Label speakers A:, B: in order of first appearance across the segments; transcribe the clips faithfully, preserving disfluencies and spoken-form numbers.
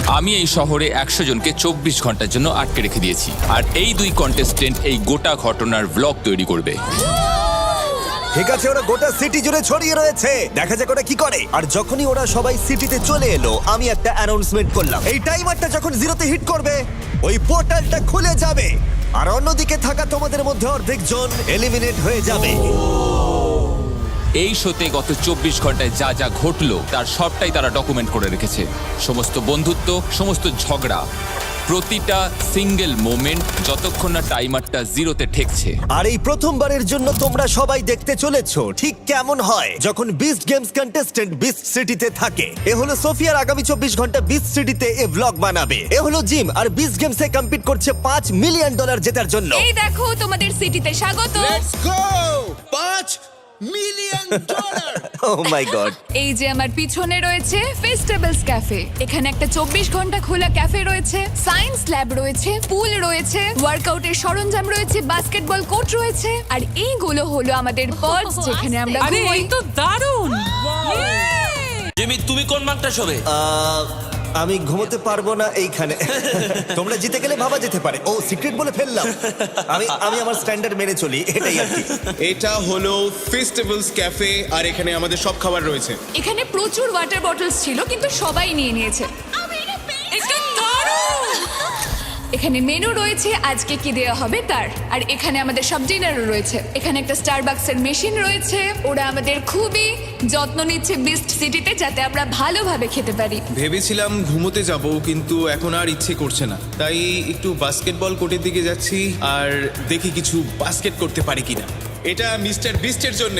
A: আমি এই শহরে একশো জনকে চব্বিশ ঘন্টার জন্য আটকে রেখে দিয়েছি, আর এই দুই কন্টেস্টেন্ট এই গোটা ঘটনার ব্লগ তৈরি করবে।
B: ঠিক আছে, ওরা গোটা সিটি জুড়ে ছড়িয়ে রয়েছে, দেখা যাক ওরা কি করে। আর যখনই ওরা সবাই সিটিতে চলে এলো, আমি একটা অ্যানাউন্সমেন্ট করলাম। এই টাইমারটা যখন জিরোতে হিট করবে, ওই পোর্টালটা খুলে যাবে, আর অন্যদিকে থাকা তোমাদের মধ্যে অর্ধেক জন এলিমিনেট হয়ে যাবে।
A: এই শোতে গত চব্বিশ ঘন্টায় যা যা ঘটলো তার সবটাই তারা ডকুমেন্ট করে রেখেছে। সমস্ত বন্ধুত্ব, সমস্ত ঝগড়া, প্রতিটা সিঙ্গেল মোমেন্ট, যতক্ষণ না টাইমারটা জিরোতে ঠেকছে।
B: আর এই প্রথমবারের জন্য তোমরা সবাই দেখতে চলেছো ঠিক কেমন হয় যখন বিস্ট গেমস কন্টেস্ট্যান্ট বিস্ট সিটিতে থাকে। এ হলো সোফিয়ার আগামী চব্বিশ ঘন্টা বিস্ট সিটিতে এ ব্লগ বানাবে। এ হলো জিম, আর বিস্ট গেমসে কম্পিট করছে পাঁচ মিলিয়ন ডলার জেতার জন্য।
C: এই দেখো তোমাদের সিটিতে স্বাগত।
D: Let's go! পাঁচ million dollar!
B: Oh my God!
C: এই যে আমার পিছনে রয়েছে ফেস্টিভ্যালস ক্যাফে। এখানে একটা চব্বিশ ঘন্টা খোলা ক্যাফে রয়েছে, সায়েন্স ল্যাব রয়েছে, পুল রয়েছে, ওয়ার্কআউটের সরঞ্জাম রয়েছে, বাস্কেটবল কোর্ট রয়েছে, আর এইগুলো হলো আমাদের পডস যেখানে আমরা
E: আরে
C: ঘুমোই।
E: এই তো দারুণ!
F: জিমি, তুমি কোন মার্কটা শোবে?
B: আহ, আমি ঘুমোতে পারবো না এইখানে। তোমরা জিতে গেলে ভাবা যেতে পারে। ও সিক্রেট বলে ফেললাম। আমি আমি আমার স্ট্যান্ডার্ড মেনে চলি, এটাই আর কি।
D: এটা হলো ফেস্টিভ্যালস ক্যাফে, আর এখানে আমাদের সব খাবার রয়েছে।
C: এখানে প্রচুর ওয়াটার বটলস ছিল কিন্তু সবাই নিয়ে নিয়েছে।
E: এটা দারুণ!
C: এখানে মেনু রয়েছে আজকে কি দেওয়া হবে তার, আর এখানে আমাদের সব ডিনারও রয়েছে। এখানে একটা স্টারবাকসের মেশিন রয়েছে। ওরা আমাদের খুবই যত্ন নিচ্ছে বিস্ট সিটিতে, যাতে আমরা ভালোভাবে খেতে পারি।
D: ভেবেছিলাম ঘুমোতে যাব, কিন্তু এখন আর ইচ্ছে করছে না, তাই একটু বাস্কেটবল কোর্টের দিকে যাচ্ছি আর দেখি কিছু বাস্কেট করতে পারি কিনা। এটা মিস্টার বিস্টের জন্য।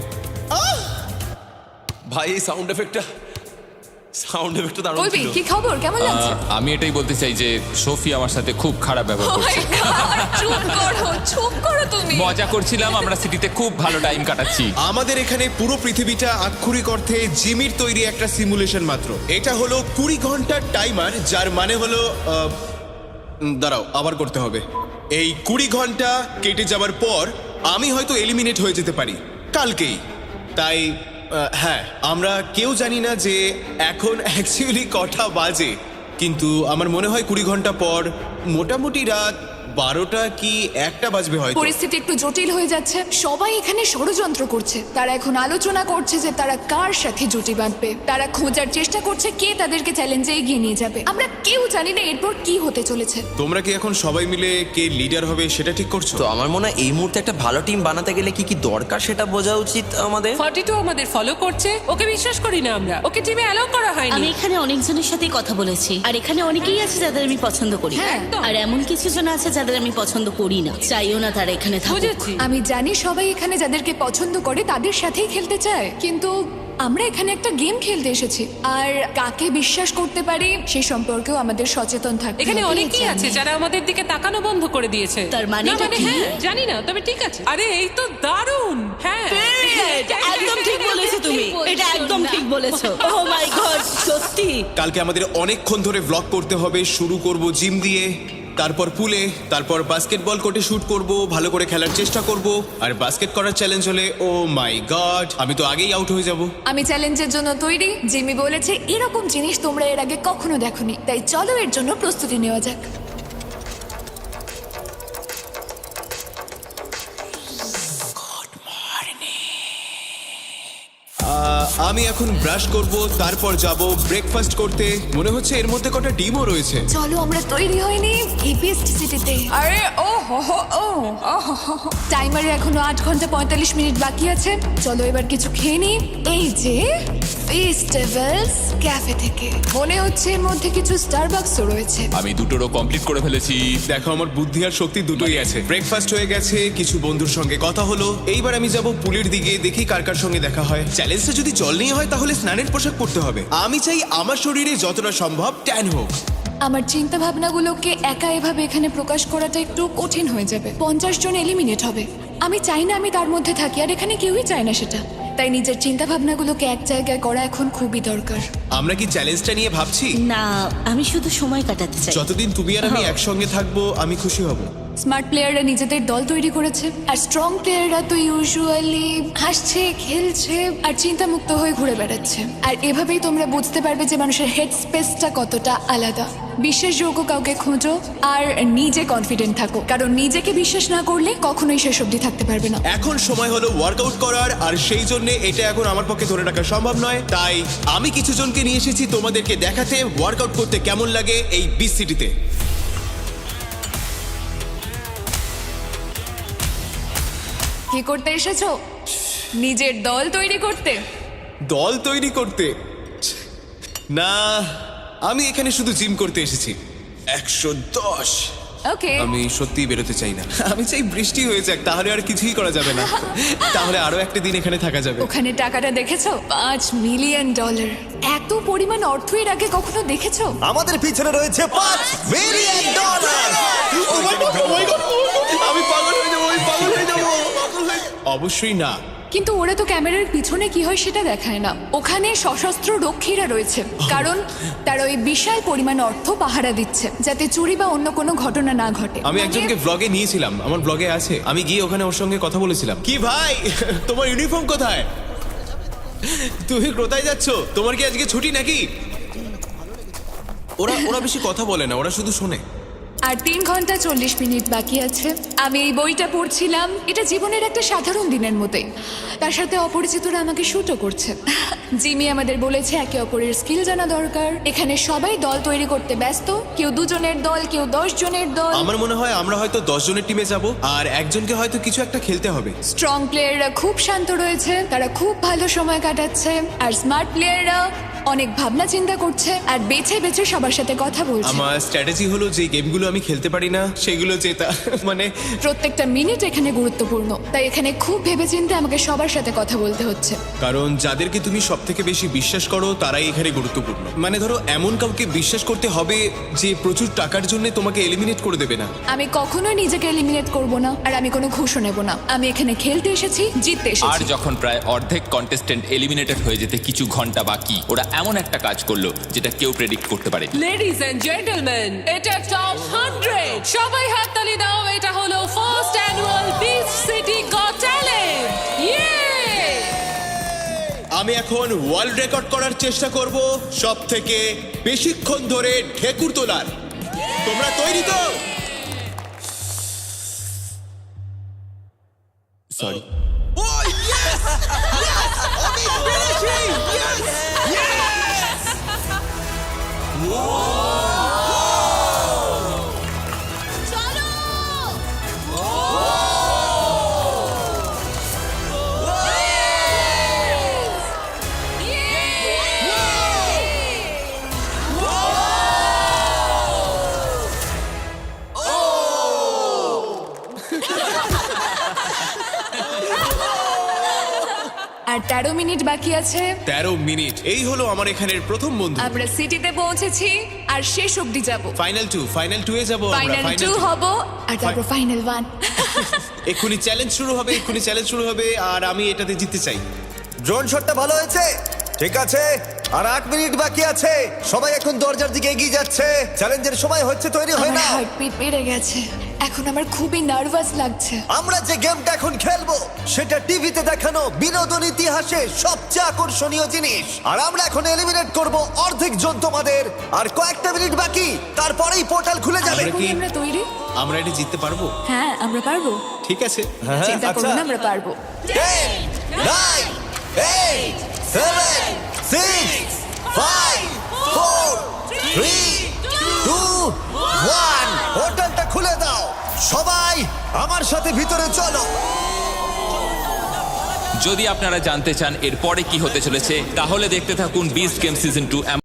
F: ভাই, এই সাউন্ড এফেক্টটা সাউন্ড এফেক্টটা দারুণ
C: বলবি
F: ছিল।
C: কি খবর, কেমন লাগছে?
A: আহ, আমি এটাই বলতে চাই যে সোফি আমার সাথে খুব খারাপ ব্যবহার
C: Oh my
A: করছে।
C: God, চুপ করো, চুপ করো তুমি।
A: মজা করছিলাম, আমরা সিটিতে খুব ভালো টাইম কাটাচ্ছি।
D: আমাদের এখানে পুরো পৃথিবীটা আক্ষরিক অর্থে জিমির তৈরি একটা সিমুলেশন মাত্র। এটা হলো কুড়ি ঘন্টার টাইমার, যার মানে হলো আহ, উম, দাঁড়াও, আবার করতে হবে। এই কুড়ি ঘন্টা কেটে যাবার পর আমি হয়তো এলিমিনেট হয়ে যেতে পারি কালকেই। তাই আহ, হ্যাঁ, আমরা কেউ জানি না যে এখন অ্যাকচুয়ালি কটা বাজে, কিন্তু আমার মনে হয় কুড়ি ঘন্টা পর মোটামুটি রাত বারোটা কি একটা বাজবে হয়তো।
C: পরিস্থিতি একটু জটিল হয়ে যাচ্ছে। সবাই এখানে ষড়যন্ত্র করছে। তারা এখন আলোচনা করছে যে তারা কার সাথে জুটি বাঁধবে। তারা খোঁজার চেষ্টা করছে কে তাদেরকে চ্যালেঞ্জে এগিয়ে নিয়ে যাবে। আমরা কেউ জানি না এরপর কি হতে চলেছে।
D: তোমরা কি এখন সবাই মিলে কে লিডার হবে সেটা ঠিক করছো?
F: তো আমার মনে হয় এই মুহূর্তে একটা ভালো টিম বানাতে গেলে কি কি দরকার সেটা বোঝা উচিত আমাদের।
E: ফর্টি টু আমাদের ফলো করছে, ওকে বিশ্বাস করি না আমরা। ওকে টিমে অ্যালাউ করা
G: আমি
E: হয়নি।
G: এখানে অনেকজনের সাথে কথা বলেছি, আর এখানে অনেকেই আছে যাদের আমি পছন্দ করি,
C: হ্যাঁ,
E: একদম।
G: আর এমন কিছু জন আছে যাদের আমি পছন্দ করি না, চাইও না তারা এখানে থাকুক।
E: বুঝেছি।
C: আমি জানি সবাই এখানে যাদেরকে পছন্দ করে তাদের সাথেই খেলতে চায়, কিন্তু আমরা এখানে একটা গেম খেলতে এসেছি, আর কাকে বিশ্বাস করতে পারি সে সম্পর্কেও আমাদের সচেতন থাকতে
E: এখানে
C: হবে।
E: অনেকেই
C: জানি।
E: আছে যারা আমাদের দিকে তাকানো বন্ধ করে দিয়েছে।
G: তার মানে
E: না,
G: এটা কি?
E: হ্যাঁ, জানি না, তবে ঠিক আছে। আরে এই তো দারুণ! হ্যাঁ,
G: একদম ঠিক বলেছো তুমি, এটা একদম ঠিক বলেছো। ও মাই গড, সত্যি।
D: কালকে আমাদের অনেকক্ষণ ধরে ব্লগ করতে হবে। শুরু করব জিম দিয়ে, তারপর পুলে, তারপর বাস্কেটবল কোর্টে শুট করব, ভালো করে খেলার চেষ্টা করব। আর বাস্কেট করার চ্যালেঞ্জ হলে ও মাই গড, আমি তো আগেই আউট হয়ে যাব।
C: আমি চ্যালেঞ্জের জন্য তৈরি। জিমি বলেছে এরকম জিনিস তোমরা এর আগে কখনো দেখোনি, তাই চলো এর জন্য প্রস্তুতি নেওয়া যাক।
D: আহ, আমি এখন ব্রাশ করব, তারপর যাব ব্রেকফাস্ট করতে। মনে হচ্ছে এর মধ্যে কটা ডিমও রয়েছে।
C: চলো আমরা তৈরি হইনি এই বেস্ট সিটিতে। আরে ও হো হো ও টাইমারে এখনো আট ঘন্টা পঁয়তাল্লিশ মিনিট বাকি আছে। চলো এবার কিছু খেয়ে নি। এই যে ফেস্টিভ্যালস ক্যাফে থেকে মনে হচ্ছে এর মধ্যে কিছু স্টারবাকসও রয়েছে।
A: আমি দুটোরও কমপ্লিট করে ফেলেছি।
D: দেখো, আমার বুদ্ধি আর শক্তি দুটোই আছে। ব্রেকফাস্ট হয়ে গেছে, কিছু বন্ধুর সঙ্গে কথা হলো। এইবার আমি যাব পুলের দিকে, দেখি কার কার সঙ্গে দেখা হয়। চ্যালেঞ্জটা যদি জল নিয়ে হয় তাহলে স্নানের পোশাক পরতে হবে। আমি চাই আমার শরীরে যতটা সম্ভব ট্যান হোক।
C: আমার চিন্তা ভাবনাগুলোকে একা এভাবে এখানে প্রকাশ করাটা একটু কঠিন হয়ে যাবে। পঞ্চাশ জন এলিমিনেট হবে। আমি চাই না আমি তার মধ্যে থাকি, আর এখানে কেউই চায় না সেটা। তাই নিজের চিন্তা ভাবনাগুলোকে এক জায়গায় করা এখন খুবই দরকার।
D: আমরা কি চ্যালেঞ্জটা নিয়ে ভাবছি?
G: না, আমি শুধু সময় কাটাতে চাই।
D: যতদিন তুমি আর আমি একসঙ্গে থাকবো আমি খুশি হব।
C: স্মার্ট প্লেয়াররা নিজেদের দল তৈরি করেছে আর স্ট্রং প্লেয়াররা তো ইউজুয়ালি হাসছে খেলছে আর চিন্তামুক্ত হয়ে ঘুরে বেড়াচ্ছে। আর এভাবেই তোমরা বুঝতে পারবে যে মানুষের হেড স্পেসটা কতটা আলাদা। বিশ্বাসযোগ্য কাউকে খোঁজো আর নিজে কনফিডেন্ট থাকো, কারণ নিজেকে বিশ্বাস না করলে কখনোই শেষ অবধি থাকতে পারবে না।
D: এখন সময় হলো ওয়ার্কআউট করার, আর সেই জন্য এটা এখন আমার পক্ষে ধরে রাখা সম্ভব নয়। তাই আমি কিছু জনকে নিয়ে এসেছি তোমাদেরকে দেখাতে ওয়ার্কআউট করতে কেমন লাগে এই বিচ সিটিতে।
C: কি করতে এসেছো? নিজের দল তৈরি করতে?
D: দল তৈরি করতে না, আমি এখানে শুধু জিম করতে এসেছি। একশো দশ।
C: ওকে,
D: আমি সত্যি বেরোতে চাই না। আমি চাই বৃষ্টি হয়ে যাক, তাহলে আর কিছুই করা যাবে না। তাহলে আরো একটা দিন এখানে থাকা যাবে।
C: ওখানে টাকাটা দেখেছো? পাঁচ মিলিয়ন ডলার। এত পরিমাণ অর্থ এর আগে কখনো দেখেছো?
B: আমাদের পিছনে রয়েছে পাঁচ মিলিয়ন ডলার।
D: আমি পাগল হয়ে যাবো, আমি পাগল হয়ে যাবো, পাগল হয়ে যাবো। অবশ্যই না।
C: কিন্তু ওরা তো ক্যামেরার পিছনে কি হয় সেটা দেখায় না। ওখানে সশস্ত্র রক্ষীরা রয়েছে, কারণ তারা ওই বিশাল পরিমাণ অর্থ পাহারা দিচ্ছে যাতে চুরি বা অন্য কোনো ঘটনা না ঘটে।
D: আমি
C: মানে-
D: একজনকে ব্লগে নিয়েছিলাম, আমার ব্লগে আছে। আমি গিয়ে ওখানে ওর সঙ্গে কথা বলেছিলাম। কি ভাই, তোমার ইউনিফর্ম কোথায়? তুমি কোথায় যাচ্ছ? তোমার কি আজকে ছুটি নাকি? ওরা ওরা বেশি কথা বলে না, ওরা শুধু শোনে।
C: আর তিন ঘন্টা চল্লিশ মিনিট বাকি আছে। আমি এই বইটা পড়ছিলাম। এটা জীবনের একটা সাধারণ দিনের মতোই। তার সাথে অপরিচিতরা আমাকে শুটও করছে। জিমি আমাদের বলেছে একে অপরের স্কিল জানা দরকার। এখানে সবাই দল তৈরি করতে ব্যস্ত, কেউ দুজনের দল, কেউ দশ জনের দল।
D: আমার মনে হয় আমরা হয়তো দশ জনের টিমে যাব, আর একজনকে হয়তো কিছু একটা খেলতে হবে।
C: স্ট্রং প্লেয়াররা খুব শান্ত রয়েছে, তারা খুব ভালো সময় কাটাচ্ছে। আর স্মার্ট প্লেয়াররা অনেক ভাবনা চিন্তা করছে আর বেছে বেছে সবার সাথে কথা বলছে।
D: আমার স্ট্র্যাটেজি হলো যে গেমগুলো আমি খেলতে পারি না সেগুলো জেতা। মানে
C: প্রত্যেকটা মিনিট এখানে গুরুত্বপূর্ণ, তাই এখানে খুব ভেবেচিন্তে আমাকে সবার সাথে কথা বলতে হচ্ছে।
D: কারণ যাদেরকে তুমি সব থেকে বেশি বিশ্বাস করো তারাই এখানে গুরুত্বপূর্ণ। মানে ধরো এমন কাউকে বিশ্বাস করতে হবে যে প্রচুর টাকার জন্য তোমাকে এলিমিনেট করে দেবে না।
C: আমি কখনোই নিজেকে এলিমিনেট করব না, আর আমি কোনো ঘুষও নেব না। আমি এখানে খেলতে এসেছি, জিততে
A: আর
C: এসেছি।
A: যখন প্রায় অর্ধেক কন্টেস্টেন্ট এলিমিনেটেড হয়ে যেতে কিছু ঘন্টা বাকি, ওরা এমন একটা কাজ করলো যেটা কেউ প্রেডিক্ট করতে পারে।
E: লেডিজ এন্ড জেন্টলম্যান, এটা টপ হান্ড্রেড। সবাই হাততালি দাও। এটা হলো first annual Beach City Got Talent. Yay!
D: আমি এখন ওয়ার্ল্ড রেকর্ড করার চেষ্টা করব সব থেকে বেশিক্ষণ ধরে ঢেকুর তোলার। তোমরা তৈরি তো?
A: সরি।
C: আর তেরো মিনিট বাকি আছে।
D: তেরো মিনিট। এই হলো আমার এখানের প্রথম বন্ধু।
C: আমরা সিটিতে পৌঁছেছি আর শেষ অবধি যাব।
D: ফাইনাল টু, ফাইনাল টু এ যাবো আমরা।
C: ফাইনাল
D: ফাইনাল
C: টু হব আর তারপর ফাইনাল ওয়ান।
D: এক্ষুনি চ্যালেঞ্জ শুরু হবে, এক্ষুনি চ্যালেঞ্জ শুরু হবে, আর আমি এটাতে জিততে চাই।
B: ড্রোন শটটা ভালো হয়েছে, ঠিক আছে। আর আট মিনিট বাকি আছে। সবাই এখন দরজার দিকে এগিয়ে যাচ্ছে। চ্যালেঞ্জের সময় হচ্ছে, তৈরি হয়
C: আমার
B: না।
C: হার্টবিট বেড়ে গেছে। এখন আমার খুবই নার্ভাস লাগছে।
B: আমরা যে গেমটা এখন খেলবো সেটা টিভিতে দেখানো বিনোদন ইতিহাসে সবচেয়ে আকর্ষণীয় জিনিস। আর আমরা এখন এলিমিনেট করব অর্ধেক জন তোমাদের। আর কয়েকটা মিনিট বাকি, তারপরেই পোর্টাল খুলে যাবে।
D: আমরা কি-
C: আমরা তৈরি?
D: আমরা এটা জিততে পারবো?
C: হ্যাঁ, আমরা পারবো।
D: ঠিক আছে।
C: চিন্তা করো
B: আচ্ছা।
C: না, আমরা পারবো।
B: ten, nine, eight, seven, six, five, four, three, two, one. পোর্টালটা খুলে দাও। সবাই আমার সাথে ভিতরে চলো।
A: যদি আপনারা জানতে চান এরপরে কি হতে চলেছে, তাহলে দেখতে থাকুন বিস্ট গেম সিজন টু।